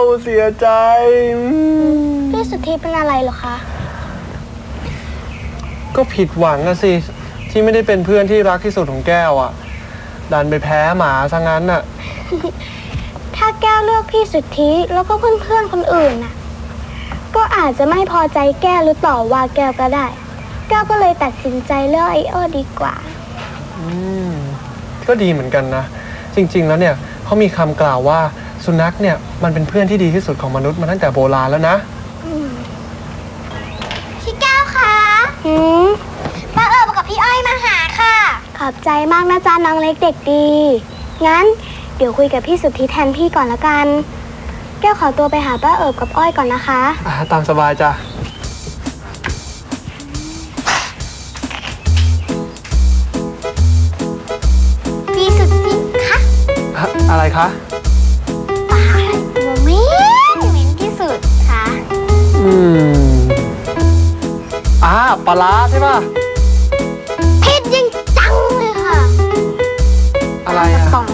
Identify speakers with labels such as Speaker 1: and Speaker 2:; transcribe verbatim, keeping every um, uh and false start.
Speaker 1: เสียใจ
Speaker 2: พี่สุทธิเป็นอะไรเหรอคะ
Speaker 1: ก็ผิดหวังนะสิที่ไม่ได้เป็นเพื่อนที่รักที่สุดของแก้วอ่ะดันไปแพ้หมาซะงั้นน่ะ
Speaker 2: ถ้าแก้วเลือกพี่สุทธิแล้วก็เพื่อนๆคนอื่นน่ะก็อาจจะไม่พอใจแก้วหรือต่อว่าแก้วก็ได้แก้วก็เลยตัดสินใจเลือกไอโอดีกว่า
Speaker 1: อืมก็ดีเหมือนกันนะจริงๆแล้วเนี่ยเขามีคำกล่าวว่าสุนัขเนี่ยมันเป็นเพื่อนที่ดีที่สุดของมนุษย์มาตั้งแต่โบราณแล้วนะ
Speaker 2: พี่แก้วคะหืมป้าเอิบกับพี่อ้อยมาหาค่ะขอบใจมากนะจ๊ะน้องเล็กเด็กดีงั้นเดี๋ยวคุยกับพี่สุทธิแทนพี่ก่อนละกันแก้วขอตัวไปหาป้าเอิบกับอ้อยก่อนนะคะ
Speaker 1: อ่าตามสบายจ้ะ
Speaker 2: พี่สุทธิคะ
Speaker 1: อะไรคะ
Speaker 2: ปลาอะไรตัวเหม็นเหม็นที่สุดคะ
Speaker 1: อืมอ่าปลาร้าใช่ป่ะ
Speaker 2: เผ็ดจริงจังเลยค่ะ
Speaker 1: อะไรอะ
Speaker 2: ป่อง